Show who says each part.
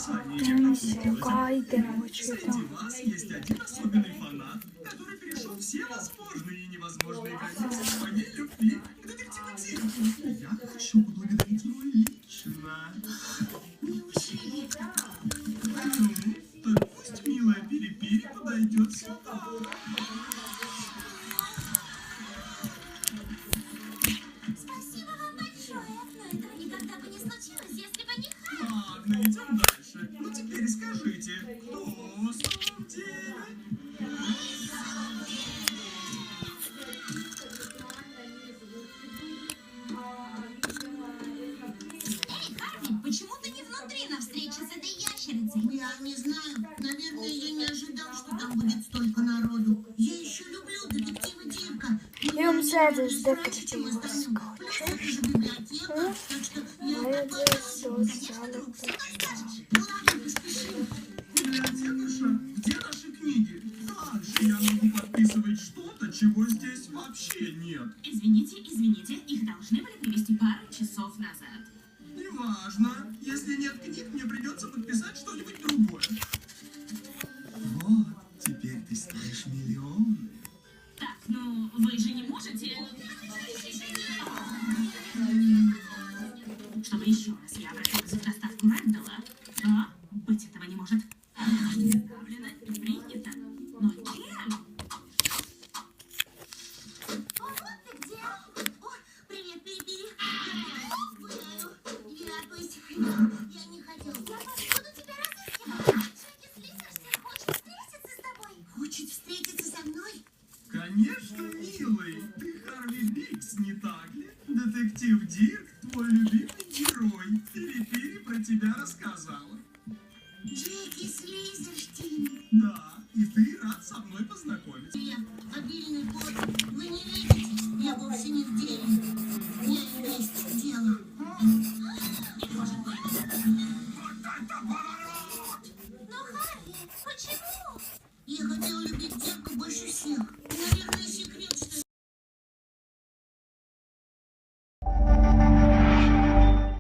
Speaker 1: Миссия Гайдена, вот что
Speaker 2: Среди вас есть один особенный фанат, который перешел все возможные и невозможные границы своей любви к детективу Дирку. Я хочу поблагодарить его лично.
Speaker 3: Неужели?
Speaker 2: Ну, так пусть милая Пири-Пири подойдет сюда.
Speaker 3: Спасибо вам большое. Но этого никогда бы не случилось, если бы не Харри.
Speaker 2: Ладно, идем дальше. Ну теперь скажите, кто в самом деле?
Speaker 3: Эй, Харви, почему ты не внутри на встрече с этой ящерицей?
Speaker 4: Я не знаю. Наверное, я не ожидал, что там будет столько народу. Я еще люблю детектива Дирка.
Speaker 1: Идем сядем с
Speaker 4: раньше, чем остальным. Плюс это же библиотека, так что я такой
Speaker 3: Конечно, друг, что там скажешь?
Speaker 4: Ну ладно, поспешим.
Speaker 2: Библиотекарша, где наши книги? Как же я могу подписывать что-то, чего здесь вообще нет?
Speaker 5: Извините, их должны были привезти пару часов назад.
Speaker 2: Неважно. Если нет книг, мне придется подписать что-нибудь другое. Вот, теперь ты стоишь миллионы.
Speaker 5: Так, ну вы же не можете... Чтобы еще раз я обратилась в доставку Рэндалла. А? Быть этого не может. Заявлено и принято. Но кем?
Speaker 3: О, вот ты где. О, привет, Пири-Пири. Гуляю. Вернусь. Я не хотел. Я буду тебя разыскивать. Шаги слизерся. Хочет встретиться с тобой.
Speaker 4: Хочет встретиться со мной?
Speaker 2: Конечно, милый. Ты Харви Бикс, не так ли? Детектив Дирк, твой любимый